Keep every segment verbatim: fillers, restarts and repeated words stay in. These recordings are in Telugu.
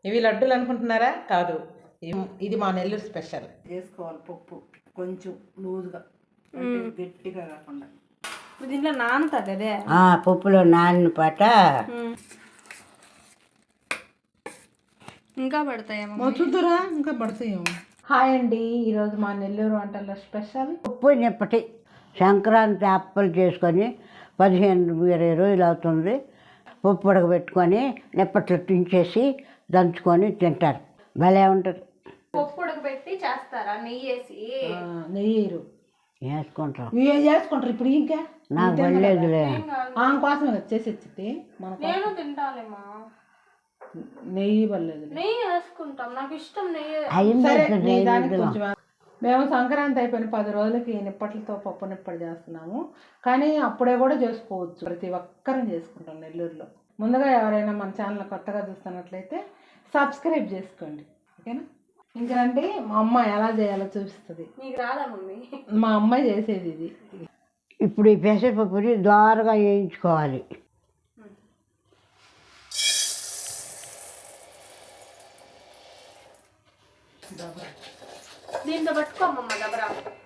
ఇవి లడ్డూలు అనుకుంటున్నారా? కాదు, ఇది మా నెల్లూరు స్పెషల్. వేసుకోవాలి పప్పు కొంచెం లూజ్గా, అంటే గట్టిగా కాకుండా. దీంట్లో నానుతుంది అదే పప్పులో నానిన పాట ఇంకా పడతాయేమో చూద్దురా, ఇంకా పడతాయేమో. హాయ్ అండి, ఈరోజు మా నెల్లూరు వంటల్లో స్పెషల్ పప్పు నిప్పటి. సంక్రాంతి అప్పలు చేసుకొని పదిహేను ఇరవై రోజులు అవుతుంది. పప్పు ఉడకబెట్టుకొని నిప్పట్లు తుంచేసి దంచుకొని తింటారు. భలే ఉంటుంది. పప్పు ఉడకబెట్టి చేస్తారా? నెయ్యి వేసి నెయ్యి వేసుకుంటాం. ఇవి చేసుకుంటారు ఇప్పుడు. ఇంకా నాకు పడలేదులే, ఆమె కోసం చేసి వచ్చింది. నేను తింటాలేమా, నెయ్యి పడలేదు. నెయ్యి వేసుకుంటాం, నాకు ఇష్టం నెయ్యి. దానికి కొంచెం మేము సంక్రాంతి అయిపోయిన పది రోజులకి నిప్పట్లతో పప్పు నిప్పట్లు చేస్తున్నాము. కానీ అప్పుడే కూడా చేసుకోవచ్చు, ప్రతి ఒక్కరం చేసుకుంటాం నెల్లూరులో. ముందుగా ఎవరైనా మన ఛానల్ కొత్తగా చూస్తున్నట్లయితే సబ్స్క్రైబ్ చేసుకోండి, ఓకేనా? ఇంకంటే మా అమ్మ ఎలా చేయాలో చూపిస్తుంది. నీకు రాదా మమ్మీ? మా అమ్మాయి చేసేది ఇది. ఇప్పుడు ఈ పెసరపప్పుని దోరగా వేయించుకోవాలి. దీంతో పట్టుకోమమ్మ దబరా.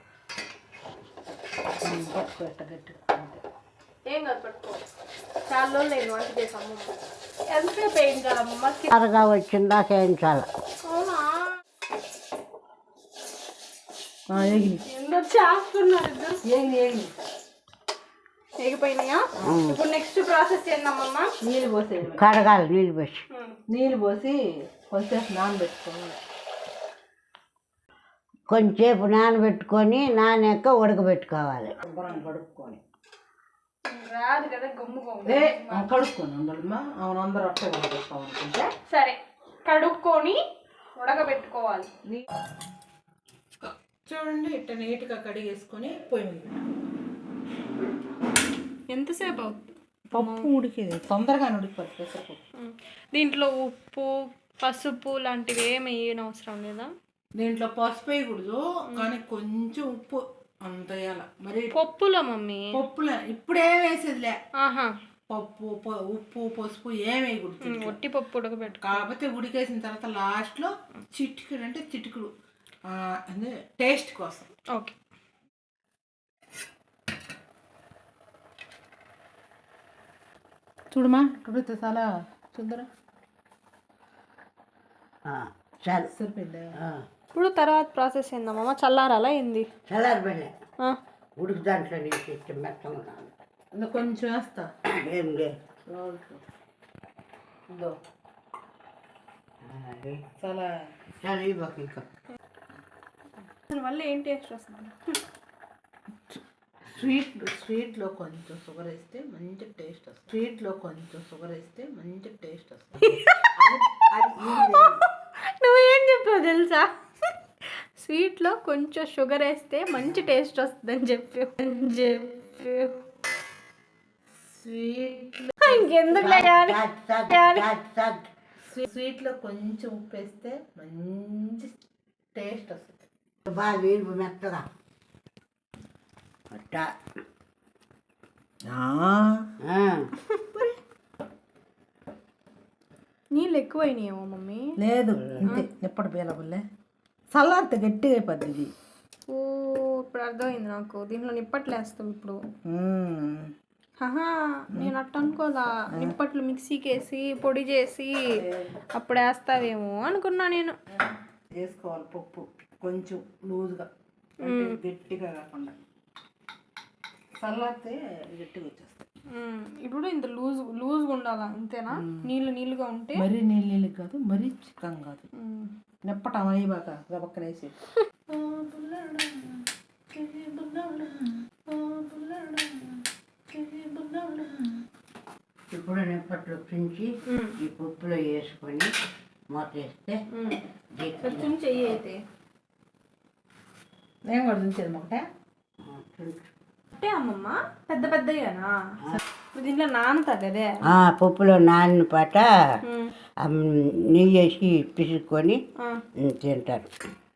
పట్టుకోట గట్టిగా ఏం కాదు, పట్టుకో. చాలా రోజులు నేను వంట చేసాము. ఎంతసేపు వేయించాలమ్మ? త్వరగా వచ్చిందా వేయించాలి. అవునా? ఏగిని చేస్తున్నారు ఇద్దరు. ఏగిని ఏగిని ఎగిపోయినాయా? ఇప్పుడు నెక్స్ట్ ప్రాసెస్ ఏందమ్మమ్మ? నీళ్ళు పోసి కడగాలి. నీళ్ళు పోసి నీళ్ళు పోసి కొంచెం నానబెట్టుకోవాలి. కొంచెంసేపు నానబెట్టుకొని నానాక ఉడకబెట్టుకోవాలి. శుభ్రం కడుక్కొని రాదు కదా గమ్ము ఏ కడుక్కొని ఉండమ్మా. అవును, అందరూ అట్టే ఉడకబెట్టుకోవాలనుకుంటే సరే, కడుక్కొని ఉడకబెట్టుకోవాలి. చూడండి, ఇట్ట నీట్గా కడిగేసుకొని పొయ్యి మీద ఎంతసేపు అవుతుంది? పప్పు ఉడికేది తొందరగా ఉడికిపోతుంది పెసరపప్పు. దీంట్లో ఉప్పు పసుపు లాంటివి ఏమి వేయని అవసరం లేదా? దీంట్లో పసుపు వేయకూడదు, కానీ కొంచెం ఉప్పు అంత వేయాల. మరి పప్పులో మమ్మీ? పప్పులే ఇప్పుడేం వేసేదిలే. ఆహా, పప్పు ఉప్పు పసుపు ఏం వేయకూడదు. ఒట్టి పప్పు ఉడకబెట్టు. కాకపోతే ఉడికేసిన తర్వాత లాస్ట్లో చిటికుడు అంటే చిటికుడు అంటే టేస్ట్ కోసం. ఓకే. చూడమా, ఉడితే చాలా చూద్దరా. సరే సరిపోయిందా? ఇప్పుడు తర్వాత ప్రాసెస్ ఏందమ్మా? చల్లారాలా ఏంది? చల్లారి పెళ్ళి ఉడికి దాంట్లో నీకు ఇష్టం మెత్తగా ఇంకా కొంచెం వేస్తా. ఏం ఇదో చాలా చాలా ఇవ్వకు. ఇంకా వల్ల ఏం టేస్ట్ వస్తుంది? స్వీట్ స్వీట్లో కొంచెం షుగర్ వేస్తే మంచి టేస్ట్ వస్తుంది. స్వీట్లో కొంచెం షుగర్ వేస్తే మంచి టేస్ట్ వస్తుంది. నువ్వేం చెప్పావు తెలుసా? స్వీట్లో కొంచెం షుగర్ వేస్తే మంచి టేస్ట్ వస్తుందని చెప్పి చెప్పి స్వీట్ ఇంకెందుకు స్వీట్లో కొంచెం ఉప్పు వేస్తే మంచి టేస్ట్ వస్తుంది. బాగా వీలు మెత్తగా అట్టా. నీళ్ళు ఎక్కువైనాయేమో మమ్మీ? లేదు, అంతే. ఎప్పుడు బేలబుల్లే చల్లారితే గట్టిగా అయిపోద్ది ఇది. ఓ, ఇప్పుడు అర్థమైంది నాకు. దీంట్లో నిప్పట్లు వేస్తాం ఇప్పుడు. హహా, నేను అట్ట అనుకోదా. నిప్పట్లు మిక్సీకి వేసి పొడి చేసి అప్పుడు వేస్తావేమో అనుకున్నా నేను. వేసుకోవాలి పప్పు కొంచెం లూజ్గా, అంటే గట్టిగా కాకుండా. చల్లారితే గట్టిగా వచ్చేస్తాయి. ఇప్పుడు ఇంత లూజ్ లూజ్గా ఉండాలా, అంతేనా? నీళ్ళు నీళ్ళుగా ఉంటే మరీ నీళ్ళు నీళ్ళు కాదు, మరీ చిక్కం కాదు. నిప్పటం అయ్యాక గబక్కనేసి ఇప్పుడు నిప్పట్లు తుంచి ఈ పప్పులో వేసుకొని మూత వేస్తే చెయ్యి అయితే నేను కూడా తుంచేది ఒకటే. అంటే అమ్మమ్మ పెద్ద పెద్దయ్యానా? దీంట్లో నానుతుంది అదే పప్పులో నానిన పాట నెయ్యి వేసి పిసుకొని తింటారు.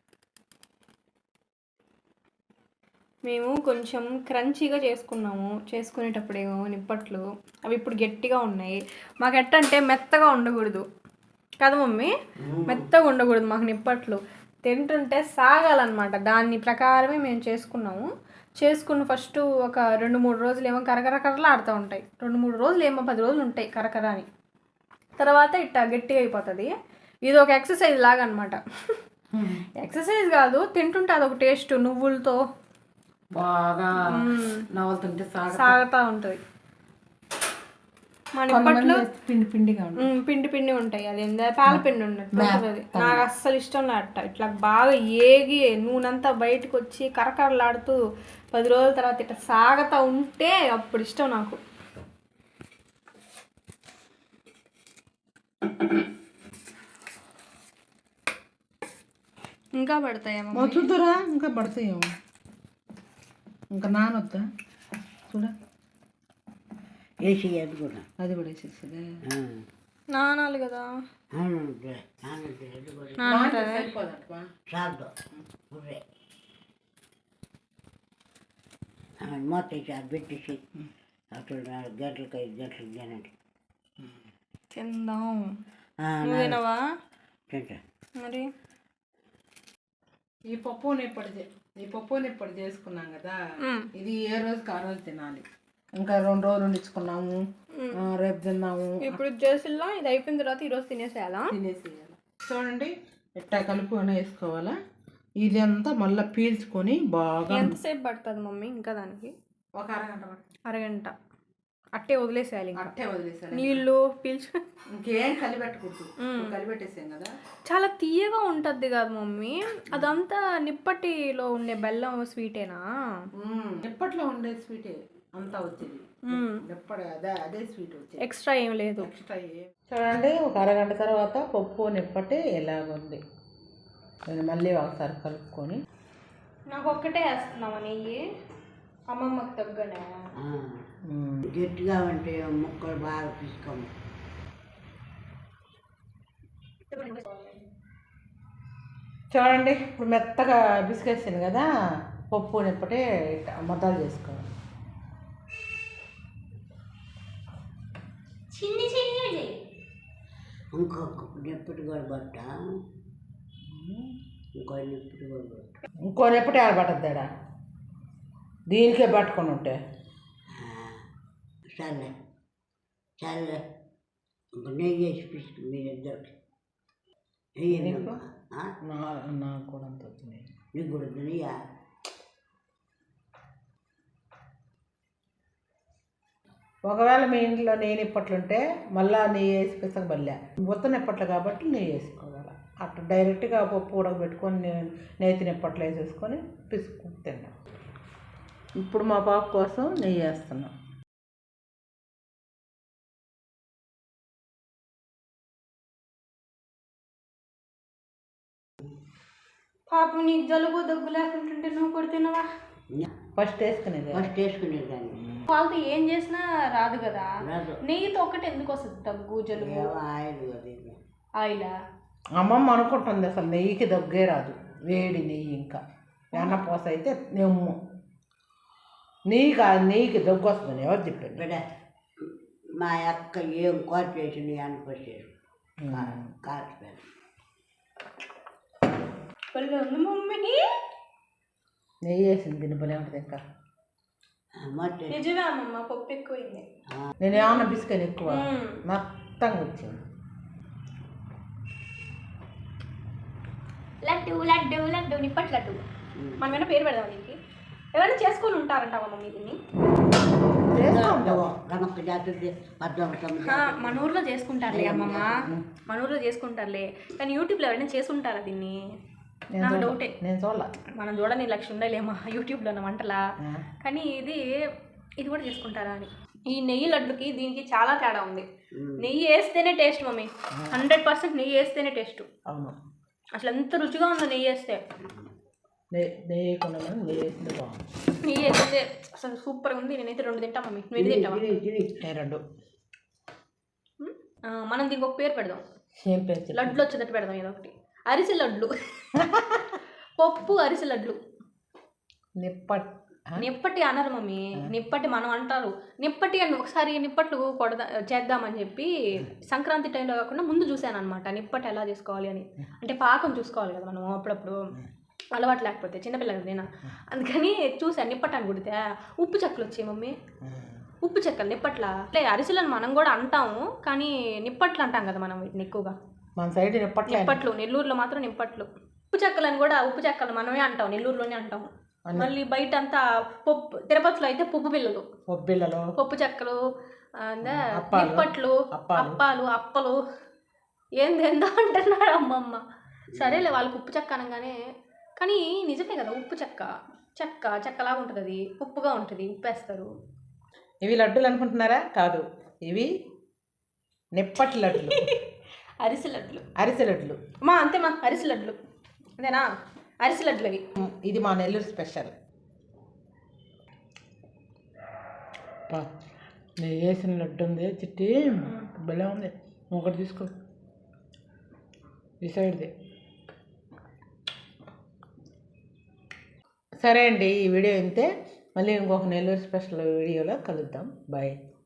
మేము కొంచెం క్రంచీగా చేసుకున్నాము. చేసుకునేటప్పుడేమో నిప్పట్లు అవి ఇప్పుడు గట్టిగా ఉన్నాయి. మాకు ఎట్టంటే మెత్తగా ఉండకూడదు, కదా మమ్మీ, మెత్తగా ఉండకూడదు మాకు నిప్పట్లు, తింటుంటే సాగాలన్నమాట. దాని ప్రకారమే మేము చేసుకున్నాము. చేసుకున్న ఫస్ట్ ఒక రెండు మూడు రోజులు ఏమో కరకర కరలా ఆడుతూ ఉంటాయి, రెండు మూడు రోజులు ఏమో పది రోజులు ఉంటాయి కరకర అని. తర్వాత ఇట్లా గట్టిగా అయిపోతుంది. ఇది ఒక ఎక్సర్సైజ్ లాగా అనమాట. ఎక్సర్సైజ్ కాదు, తింటుంటే అదొక టేస్ట్, నువ్వులతో బాగా నవ్వుతుంటే సాగుతూ ఉంటుంది. మన నిప్పట్లో పిండి పిండిగా ఉంటుంది, పిండి పిండి ఉంటాయి. అది పాల పిండి ఉన్నట్టు అది నాకు అస్సలు ఇష్టం లేట. ఇట్లా బాగా ఏగి నూనెంతా బయటకు వచ్చి కరకరలాడుతూ పది రోజుల తర్వాత ఇట్లా సాగుతూ ఉంటే అప్పుడు ఇష్టం నాకు. ఇంకా పడతాయేమో చూద్దురా, ఇంకా పడతాయేమో, ఇంకా నానొద్దా చూడ, వేసి అది కూడా అది కూడా వేసేసేదే. నానాలి కదా, చాలు గుర్రే మొత్తం చాలు పెట్టేసి అక్కడ నాలుగు గంటలకు ఐదు గంటలకు తినండి. తిందాం. నువ్వు తినవా? తింటా. మరి ఈ పప్పు నిప్పటి ఈ పప్పు నిప్పటి చేసుకున్నాం కదా, ఇది ఏ రోజుకి ఆ రోజు తినాలి. ఇంకా రెండు రోజులు ఉండించుకున్నాము, రేపు తిన్నాము. ఇప్పుడు చేసిల్లా ఇది అయిపోయిన తర్వాత ఈరోజు తినేసేయాలా? తినేసేయాలి. చూడండి ఎట్టా కలుపుకొని వేసుకోవాలా. ఇది అంతా మళ్ళీ పీల్చుకొని బాగా. ఎంతసేపు పడుతుంది మమ్మీ ఇంకా దానికి? ఒక అరగంట అరగంట అట్టే వదిలేసేయాలి. అట్టే వదిలేసేయాలి, నీళ్ళు పీల్చు, ఇంకేం కలిపెట్టకూడదు. కలిపెట్టేసాం కదా. చాలా తీయగా ఉంటుంది కదా మమ్మీ, అదంతా నిప్పటిలో ఉండే బెల్లం స్వీటేనా? నిప్పట్లో ఉండే స్వీటే అంతా వచ్చేది, నిప్పటి అదే అదే స్వీట్ వచ్చేది, ఎక్స్ట్రా ఏం లేదు. ఎక్స్ట్రా ఏం. చూడండి ఒక అరగంట తర్వాత పప్పు నిప్పటి ఎలాగుంది. నేను మళ్ళీ ఒకసారి కలుపుకొని. నాకు ఒక్కటే వేస్తున్నావా నెయ్యి? అమ్మమ్మకి తగ్గనే గట్టిగా ఉంటే ముక్కలు బాగా తీసుకోము. చూడండి ఇప్పుడు మెత్తగా బిస్కెట్సాను కదా, పప్పు నిప్పటి ముద్దలు చేసుకోవాలి. చిన్ని చిన్ని ఇంకొక నిప్పటి కూడా పట్ట, ఇంకో నిప్పటి కూడా పట్ట, ఇంకో నిప్పటి ఆడ పట్టద్దాడా, దీనికే పట్టుకొని ఉంటే చల్లే చల్లే ఇంక నెయ్యి వేసి పిసుకు మీరిద్దరికి నెయ్యి. నాకు కూడా అంత వచ్చింది, నీకు కూడా నెయ్యా? ఒకవేళ మీ ఇంట్లో నెయ్యి నిప్పట్లుంటే మళ్ళీ నెయ్యి వేసి పిసకబల్లే, ఉత్త నిప్పట్లు కాబట్టి నెయ్యి వేసుకోవాలి. అట్లా డైరెక్ట్గా పప్పు ఉడకబెట్టుకొని నేతి నిప్పట్లు వేసేసుకొని పిసుకు తిన్నాం. ఇప్పుడు మా పాప కోసం నెయ్యి వేస్తున్నాం. పాపం నీకు జలుబు దగ్గు లేకుంటుంటే నువ్వు కూడా తినవా? ఫస్ట్ వేసుకునేది ఫస్ట్ వేసుకునేదాన్ని. వాళ్ళతో ఏం చేసినా రాదు కదా, రాదు. నెయ్యితో ఒక్కటి ఎందుకు వస్తుంది దగ్గు జలుబు? ఆయిల్ అది ఆయిలా? అమ్మమ్మ అనుకుంటుంది అసలు నెయ్యికి దగ్గే రాదు, వేడి నెయ్యి. ఇంకా వెన్నపూస అయితే నెమ్ము నెయ్యి కాదు, నెయ్యికి దగ్గు వస్తుంది. ఎవరు చెప్పారు? బిడ్డ మా అక్క ఏం కూర చేసింది అనిపించారు కాచిపోయాను. ఉంది మమ్మీకి నెయ్యి వేసింది తినబలే ఉంటుంది. ఇంకా నిజమే అమ్మమ్మ, పప్పు ఎక్కువైంది. నేను ఏమన్నా బిస్కెట్ ఎక్కువ మొత్తంగా వచ్చింది. లడ్డు లడ్డు లడ్డు నిప్పటి లడ్డు. మనం ఏమైనా పేరు పెడదాం దీనికి? ఎవరైనా చేసుకొని ఉంటారంటావా మమ్మీ దీన్ని? మన ఊర్లో చేసుకుంటారులే అమ్మమ్మ, మన ఊర్లో చేసుకుంటారులే, కానీ యూట్యూబ్లో ఎవరైనా చేసుకుంటారా దీన్ని? నాకు డౌటే. నేను చూడాల, మనం చూడని లక్ష్యం ఉండలేమా యూట్యూబ్లో వంటలా, కానీ ఇది ఇది కూడా చేసుకుంటారా అని. ఈ నెయ్యి లడ్డుకి దీనికి చాలా తేడా ఉంది. నెయ్యి వేస్తేనే టేస్ట్ మమ్మీ, హండ్రెడ్ పర్సెంట్ నెయ్యి వేస్తేనే టేస్ట్. అవును, అసలు ఎంత రుచిగా ఉందో నెయ్యి వేస్తే. నెయ్యి నెయ్యి నెయ్యి వేసింది బాగుంది. నెయ్యి వేస్తే అసలు సూపర్గా ఉంది. నేనైతే రెండు తింటా మమ్మీ, నువ్వు ఎన్ని తింటావా? నేను రెండు. మనం దీనికి ఒక పేరు పెడదాం, ఏం పేరు? లడ్లు వచ్చేటట్టు పెడదాం ఏదో ఒకటి. అరిసె లడ్లు, పప్పు అరిసె లడ్లు. నిప్పట్ నిప్పటి అనరు మమ్మీ, నిప్పటి మనం అంటారు. నిప్పటి అని ఒకసారి నిప్పట్లు కొడదా చేద్దామని చెప్పి సంక్రాంతి టైంలో కాకుండా ముందు చూశాను అనమాట నిప్పటి ఎలా చేసుకోవాలి అని. అంటే పాకం చూసుకోవాలి కదా మనం అప్పుడప్పుడు, అలవాటు లేకపోతే చిన్నపిల్లలు నేను, అందుకని చూసాను నిప్పటి అని కుడితే ఉప్పు చెక్కలు వచ్చాయి మమ్మీ. ఉప్పు చెక్కలు నిప్పట్ల అంటే అరిసెలను మనం కూడా అంటాము, కానీ నిప్పట్లు అంటాం కదా మనం వీటిని ఎక్కువగా. మన సైడ్ నిప్పట్లు నిప్పట్లు నెల్లూరులో మాత్రం నిప్పట్లు. ఉప్పు చెక్కలని కూడా ఉప్పు చెక్కలు మనమే అంటాం, నెల్లూరులోనే అంటాం. మళ్ళీ బయట అంతా పప్పు, తిరుపతిలో అయితే పప్పు బిళ్ళలు, పప్పు బిళ్ళలు, పప్పు చెక్కలు, నిప్పట్లు, అప్పాలు, అప్పలు ఏందేందో అంటున్నాడు అమ్మమ్మ. సరేలే వాళ్ళకి ఉప్పు చెక్క అనగానే, కానీ నిజమే కదా ఉప్పు చెక్క, చెక్క చెక్కలాగా ఉంటుంది, అది ఉప్పుగా ఉంటుంది, ఉప్పు వేస్తారు. ఇవి లడ్డూలు అనుకుంటున్నారా? కాదు, ఇవి నిప్పటి లడ్లు. అరిసె లడ్లు, అరిసె లడ్లు మా అంతే మా అరిసె లడ్లు అంతేనా, అరిసె లడ్లు అవి. ఇది మా నెల్లూరు స్పెషల్. నేను వేసిన లడ్డు ఉంది చిట్టి, భలే ఉంది. ఒకటి తీసుకో, ఈ సైడ్ది. సరే అండి, ఈ వీడియో ఇంతే. మళ్ళీ ఇంకొక నెల్లూరు స్పెషల్ వీడియోలో కలుద్దాం. బాయ్.